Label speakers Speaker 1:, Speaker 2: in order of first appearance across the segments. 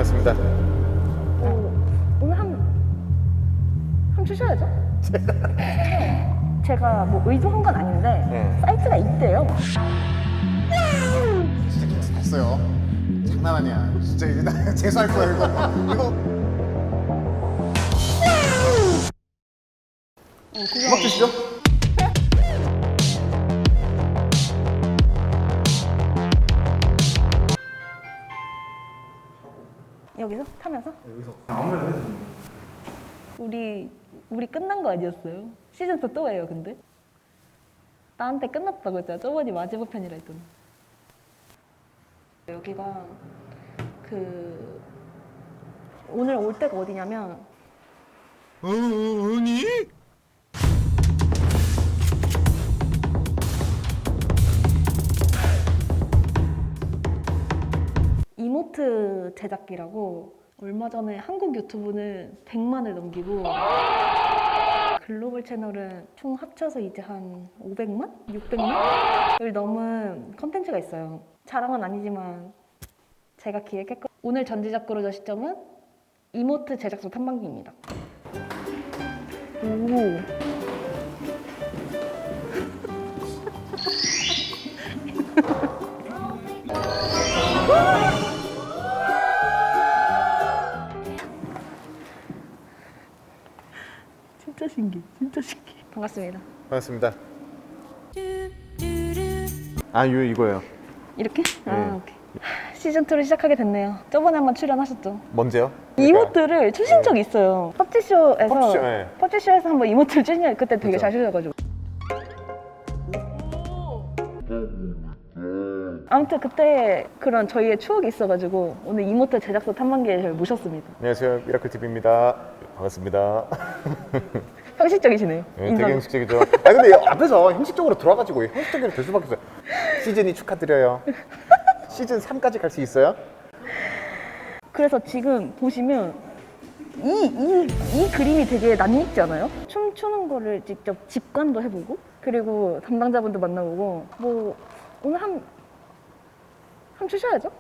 Speaker 1: 반갑습니다.
Speaker 2: 오늘 한 주셔야죠. 제가 뭐 의도한 건 아닌데 사이트가 있대요.
Speaker 1: 진짜 김치 샀어요. 장난 아니야. 진짜 이거 나 재수할 거야 이거. 음악 주시죠.
Speaker 2: 여기서 타면서?
Speaker 1: 여기서 아무래도 해도
Speaker 2: 우리 끝난 거 아니었어요? 시즌 2 또 해요, 근데? 나한테 끝났다고 했잖아. 저번이 마지막 편이라 했더니. 여기가 오늘 올 때가 어디냐면
Speaker 1: 아니?
Speaker 2: 이모트 제작기라고 얼마 전에 한국 유튜브는 100만을 넘기고 글로벌 채널은 총 합쳐서 이제 한 500만? 600만을 넘은 컨텐츠가 있어요. 자랑은 아니지만 제가 기획했고 오늘 전지작구로저 시점은 이모트 제작소 탐방기입니다. 오. 진짜 신기해, 진짜 신기해. 반갑습니다.
Speaker 1: 반갑습니다. 아 이거예요.
Speaker 2: 이렇게? 오케이. 시즌2를 시작하게 됐네요. 저번에 한번 출연하셨죠?
Speaker 1: 뭔데요?
Speaker 2: 이모트를 추신 적이 있어요. 펍지쇼에서
Speaker 1: 펍지쇼, 네.
Speaker 2: 펍지쇼에서 한번 이모트를 추신 그때 되게
Speaker 1: 그죠.
Speaker 2: 잘 추셔가지고. 아무튼 그때 그런 저희의 추억이 있어가지고 오늘 이모트 제작소 탐방기에 저를 모셨습니다.
Speaker 1: 안녕하세요, 미라클 TV입니다. 반갑습니다.
Speaker 2: 형식적이시네요.
Speaker 1: 네,
Speaker 2: 인사도.
Speaker 1: 되게 형식적이죠. 아 근데 앞에서 형식적으로 들어와가지고 형식적으로 될 수밖에 없어요. 시즌이 축하드려요. 시즌 3까지 갈 수 있어요?
Speaker 2: 그래서 지금 보시면 이 그림이 되게 낯익지 않아요? 춤추는 거를 직접 직관도 해보고 그리고 담당자분도 만나보고 뭐 오늘 한 주셔야죠?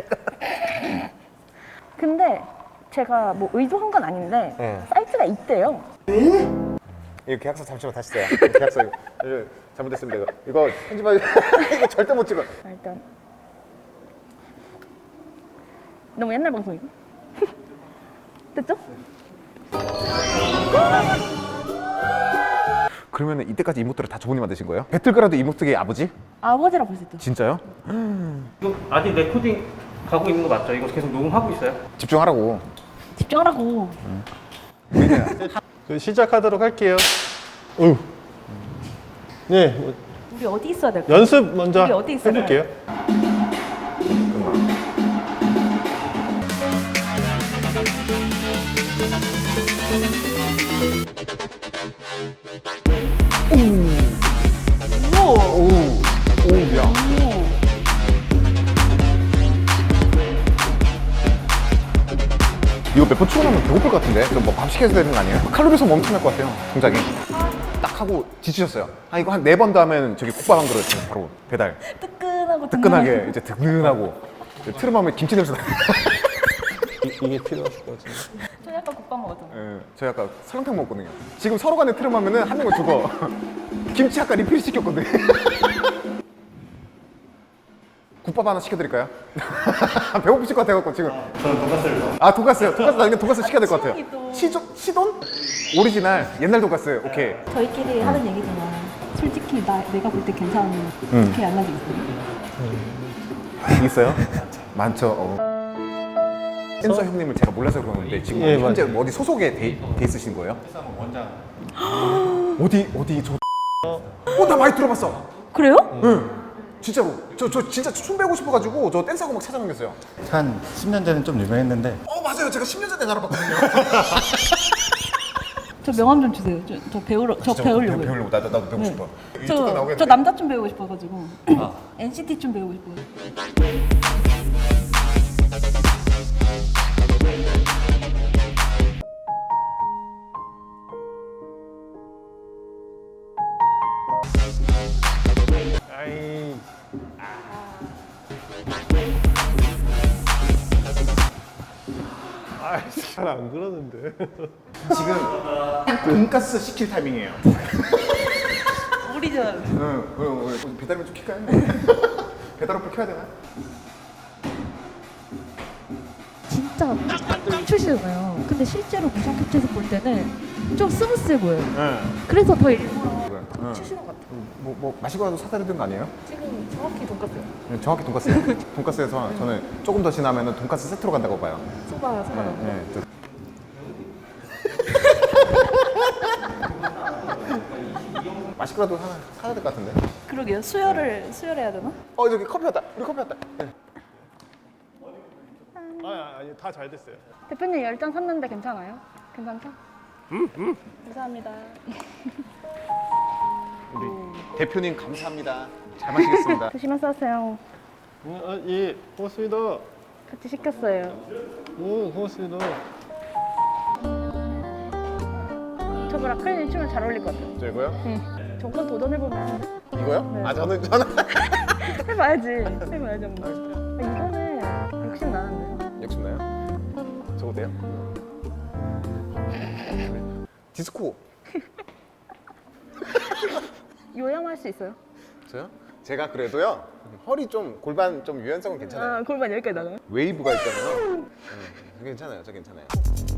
Speaker 2: 근데 제가 뭐 의도한 건 아닌데 사이트가 있대요.
Speaker 1: 이거 계약서 잠시만 다시 써요. 계약서 이거 잘못됐습니다. 이거 편집하기 이거 절대 못 찍어.
Speaker 2: 일단 너무 옛날 방송이고 됐죠?
Speaker 1: 그러면 이때까지 이모트를 다 조분이 만드신 거예요? 배틀그라운드 이모트계의 아버지?
Speaker 2: 아버지라 볼 수 있죠.
Speaker 1: 진짜요?
Speaker 3: 이거 아직 레코딩 가고 있는 거 맞죠? 이거 계속 녹음하고 있어요?
Speaker 1: 집중하라고.
Speaker 2: 집중하라고.
Speaker 4: 저 시작하도록 할게요. 네, 뭐
Speaker 2: 우리 어디 있어야 될까요?
Speaker 4: 연습 먼저
Speaker 2: 우리 어디 있어요?
Speaker 4: 해볼게요.
Speaker 1: 오야. 이거 몇 번 출근하면 배고플 것 같은데? 그럼 뭐 밥 시켜야 되는 거 아니에요? 칼로리 소모 엄청 날 것 같아요, 동작이. 딱 하고 지치셨어요. 아 이거 한 4번 더 하면 저기 국밥 한 그릇 바로 배달.
Speaker 2: 뜨끈하고
Speaker 1: 뜨끈하게 이제 든든하고 트름하면 김치 냄새 나.
Speaker 4: 이게 필요하실 것 같은데.
Speaker 2: 저 약간 국밥 먹었잖아요.
Speaker 1: 예, 저희 아까 설렁탕 먹었거든요. 지금 서로 간에 트름하면은 한 명은 죽어. 김치 아까 리필 시켰거든. 국밥 하나 시켜드릴까요? 배고프실 것 같아갖고 지금.
Speaker 3: 저는 돈가스를 더.
Speaker 1: 아 돈가스요. 돈가스 나중에 돈가스 시켜야 될 것 같아요.
Speaker 2: 시동이 또.
Speaker 1: 시돈? 오리지널 옛날 돈가스. 오케이.
Speaker 2: 저희끼리 하는 얘기지만 솔직히 내가 볼 때 괜찮은 그렇게 안 가지고 있어요.
Speaker 1: 있어요? 많죠. 댄서 형님을 제가 몰라서 그러는데 지금
Speaker 4: 예,
Speaker 1: 현재 어디 소속에 돼 있으신 거예요?
Speaker 3: 원장.
Speaker 1: 어디 저. 나 많이 들어봤어.
Speaker 2: 그래요?
Speaker 1: 응. 진짜로. 저 진짜 춤 배우고 싶어가지고 저 댄스하고 막 찾아다녔어요.
Speaker 5: 한 10년 전에 좀 유명했는데
Speaker 1: 맞아요. 제가 10년 전에 알아봤거든요.
Speaker 2: 저 명함 좀 주세요. 저 배우려고요.
Speaker 1: 배우려고 나도 배우고
Speaker 2: 네.
Speaker 1: 싶어. 유튜브 나오겠네.
Speaker 2: 저 남자 춤 배우고 싶어가지고 NCT 춤 배우고 싶어요.
Speaker 4: 잘 안 그러는데.
Speaker 1: 지금 돈가스 시킬 타이밍이에요.
Speaker 2: 오리지널.
Speaker 1: 응, 그럼 배달면 좀 킬까요? 배달 어플 켜야 되나?
Speaker 6: 진짜 딱 출시잖아요. 근데 실제로 무선 캡처에서 볼 때는 좀 스무스해 보여요.
Speaker 1: 응.
Speaker 6: 그래서 더 일부러
Speaker 1: 응.
Speaker 2: 출시는 것 같아요.
Speaker 1: 뭐 마시고라도 사다 드는 거 아니에요?
Speaker 2: 지금 정확히 돈까스요.
Speaker 1: 네, 정확히 돈가스예요. 돈가스에서 저는 조금 더 지나면 돈가스 세트로 간다고 봐요.
Speaker 2: 소바.
Speaker 1: 네, 맛있고라도 하나 사야 될 것 같은데.
Speaker 2: 그러게요. 수혈해야 되나?
Speaker 1: 저기 커피 왔다. 우리 커피 왔다. 네.
Speaker 4: 아니 다 잘 됐어요.
Speaker 2: 대표님 10잔 샀는데 괜찮아요? 괜찮죠? 감사합니다.
Speaker 1: 우리 대표님 감사합니다. 잘 마시겠습니다.
Speaker 2: 조심해서 하세요.
Speaker 4: 예, 고맙습니다.
Speaker 2: 같이 시켰어요.
Speaker 4: 고맙습니다.
Speaker 2: 저랑 크리님 추면 잘 어울릴 것 같아요.
Speaker 1: 저 이거요?
Speaker 2: 응. 저건 도전해보면
Speaker 1: 이거요?
Speaker 2: 네.
Speaker 1: 아 저는
Speaker 2: 해봐야지. 해봐야지 한번. 이거는 욕심 나는데요.
Speaker 1: 욕심나요? 저거 돼요? 디스코.
Speaker 2: 요양할 수 있어요?
Speaker 1: 저요? 제가 그래도요 허리 좀 골반 좀 유연성은 괜찮아요.
Speaker 2: 아, 골반 여기까지 나가요?
Speaker 1: 웨이브가 있잖아요. 괜찮아요. 저 괜찮아요.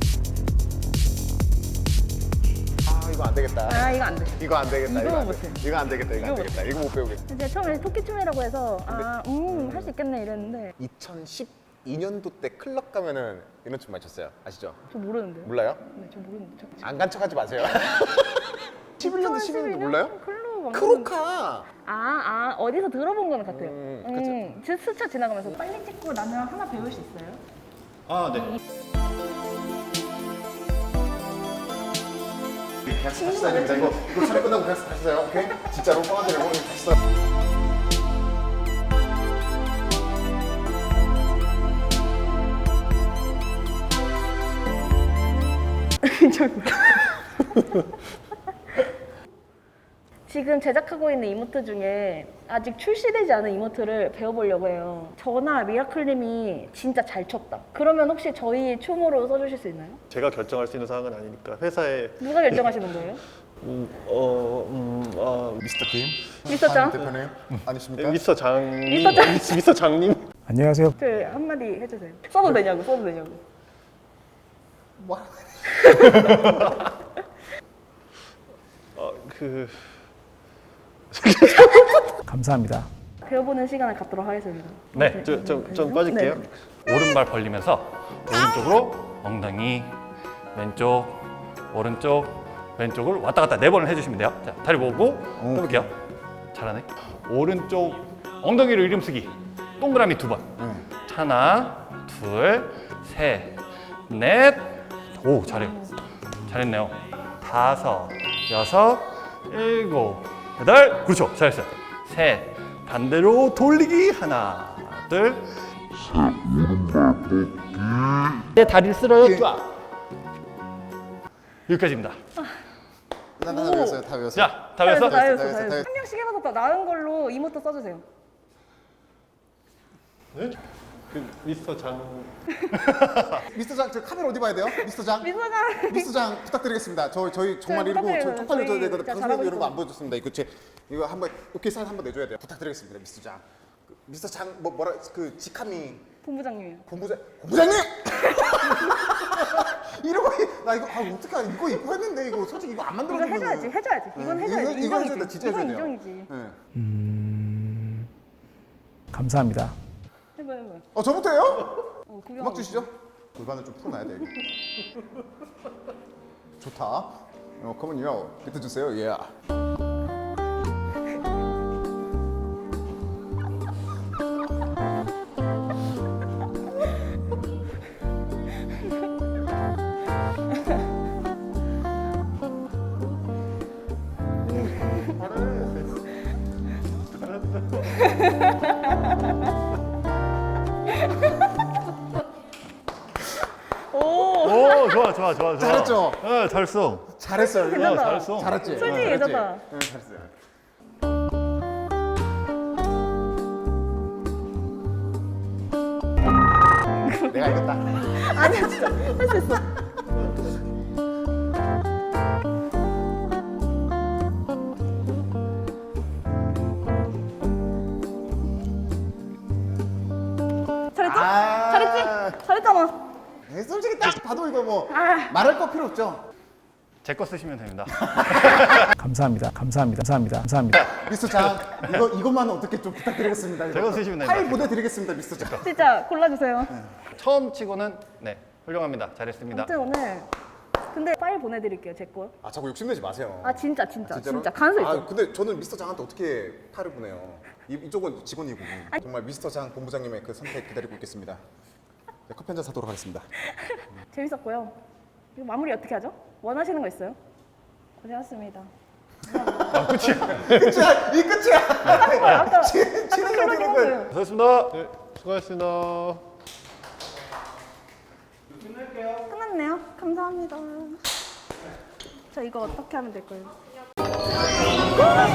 Speaker 1: 아 이거 안 되겠다.
Speaker 2: 아, 이거 안 돼.
Speaker 1: 이거 안 되겠다.
Speaker 2: 이거
Speaker 1: 안
Speaker 2: 못해.
Speaker 1: 돼. 이거 안 되겠다. 이거 안
Speaker 2: 이거
Speaker 1: 되겠다. 이거 못 배우겠다.
Speaker 2: 제가 처음에 토끼춤이라고 해서 할 수 있겠네 이랬는데
Speaker 1: 2012년도 때 클럽 가면은 이런 춤 많이 췄어요. 아시죠?
Speaker 2: 저 모르는데요?
Speaker 1: 몰라요?
Speaker 2: 네, 저 모르는데.
Speaker 1: 안 간 척하지 마세요. 11년도 12년도 몰라요?
Speaker 2: 클럽 안
Speaker 1: 크로카.
Speaker 2: 어디서 들어본 거는 같아요.
Speaker 1: 그쵸.
Speaker 2: 스쳐 지나가면서 빨리 찍고 나면 하나 배울 수 있어요?
Speaker 4: 아 네.
Speaker 1: 다시 다닙니다. 이거 촬영 끝나고 다시 써요. 오케이? 진짜로 뻥하지 말고 다시 써요.
Speaker 2: 지금 제작하고 있는 이모트 중에 아직 출시되지 않은 이모트를 배워보려고 해요. 저나 미라클님이 진짜 잘 췄다. 그러면 혹시 저희 춤으로 써주실 수 있나요?
Speaker 4: 제가 결정할 수 있는 사항은 아니니까 회사에
Speaker 2: 누가 결정하시는 거예요?
Speaker 1: 미스터 김.
Speaker 2: 미스터 장?
Speaker 1: 대표님 아니십니까?
Speaker 4: 미스터 장님.
Speaker 2: 미스터 장.
Speaker 4: 미스터 장님.
Speaker 5: 안녕하세요.
Speaker 2: 저 한마디 해주세요. 써도 되냐고, 써도 되냐고.
Speaker 1: 뭐?
Speaker 5: 감사합니다.
Speaker 2: 배워보는 시간을 갖도록 하겠습니다.
Speaker 4: 네, 좀 빠질게요.
Speaker 2: 네.
Speaker 7: 오른발 벌리면서 오른쪽으로 엉덩이, 왼쪽, 오른쪽, 왼쪽을 왔다 갔다 4번을 해주시면 돼요. 자, 다리 모으고 해볼게요. 잘하네. 오른쪽 엉덩이로 이름 쓰기. 동그라미 2번. 하나, 둘, 셋, 넷. 오, 잘해요. 잘했네요. 5, 6, 7, 8. 그렇죠. 잘했어요. 셋. 반대로 돌리기. 하나, 둘. 내 다리를 쓸어요. 쫙. 여기까지입니다.
Speaker 1: 난다 외웠어요. 다 외웠어요.
Speaker 7: 자, 다 외웠어?
Speaker 2: 다 외웠어,
Speaker 1: 다
Speaker 2: 다
Speaker 1: 외웠어.
Speaker 2: 외웠어. 한 명씩 해봐서 더 나은 걸로 이모트 써주세요.
Speaker 4: 네? 그 미스터 장.
Speaker 1: 미스터 장, 저 카메라 어디 봐야 돼요? 미스터 장.
Speaker 2: 미소장.
Speaker 1: 미스터 장 부탁드리겠습니다. 저희 정말
Speaker 2: 네,
Speaker 1: 이러고
Speaker 2: 부탁드려요.
Speaker 1: 저 쪽팔려 줘야
Speaker 2: 저희
Speaker 1: 되거든.
Speaker 2: 진짜
Speaker 1: 방송
Speaker 2: 잘하고
Speaker 1: 이런 거 안
Speaker 2: 있어요.
Speaker 1: 보여줬습니다. 이거 한번 오케이 사인 한번 내줘야 돼요. 부탁드리겠습니다, 미스터 장. 미스터 장 뭐라 그 직함이
Speaker 2: 본부장님이요.
Speaker 1: 본부장님! 이러고 나 이거 어떡해 이거 입고 했는데 이거 솔직히 이거 안 만들어
Speaker 2: 이거
Speaker 1: 주면
Speaker 2: 해줘야지. 이건 해줘야지.
Speaker 1: 이거
Speaker 2: 인정이지.
Speaker 1: 해줘야 돼, 진짜
Speaker 2: 이건
Speaker 1: 해줘야 돼요.
Speaker 2: 인정이지.
Speaker 1: 네.
Speaker 5: 감사합니다.
Speaker 2: 해봐.
Speaker 1: 저부터 해요?
Speaker 2: 구경.
Speaker 1: 음악 주시죠. 골반을 좀 풀어놔야 돼. 좋다. 컴온요. 비트 주세요. 예.
Speaker 7: 오, 좋아.
Speaker 1: 잘했죠?
Speaker 7: 잘했어.
Speaker 1: 잘했어요.
Speaker 2: 괜찮다.
Speaker 7: 잘했어.
Speaker 1: 잘했지.
Speaker 2: 솔직히
Speaker 1: 잘했지?
Speaker 2: 괜찮다.
Speaker 1: 응, 잘했어요. 내가 이겼다.
Speaker 2: 아니야 진짜 할 수 있어. 잘했죠? 잘했지? 잘했잖아.
Speaker 1: 네, 솔직히 딱 봐도 이거 뭐
Speaker 2: 아.
Speaker 1: 말할 거 필요 없죠.
Speaker 7: 제 거 쓰시면 됩니다.
Speaker 5: 감사합니다. 감사합니다. 감사합니다. 감사합니다.
Speaker 1: 미스터 장 이것만 어떻게 좀 부탁드리겠습니다.
Speaker 7: 제가 쓰시면 됩니다.
Speaker 1: 파일 보내드리겠습니다, 미스터 장.
Speaker 2: 진짜 골라주세요.
Speaker 7: 처음 치고는 네 훌륭합니다. 잘했습니다.
Speaker 2: 아무튼 오늘 근데 파일 보내드릴게요 제 거.
Speaker 1: 아 자꾸 욕심내지 마세요.
Speaker 2: 아 진짜
Speaker 1: 진짜로?
Speaker 2: 가능성 있어.
Speaker 1: 아 근데 저는 미스터 장한테 어떻게 파일을 보내요? 이쪽은 직원이고 정말 미스터 장 본부장님의 그 선택 기다리고 있겠습니다. 네, 커피 한잔 사도록 하겠습니다.
Speaker 2: 재밌었고요. 이거 마무리 어떻게 하죠? 원하시는 거 있어요? 고생하셨습니다.
Speaker 1: 끝이야, 이 끝이야.
Speaker 2: 아까
Speaker 1: 치는 거 되는 거예요.
Speaker 7: 수고하셨습니다.
Speaker 4: 네, 수고하셨습니다.
Speaker 2: 끝났네요. 감사합니다. 저 이거 어떻게 하면 될까요?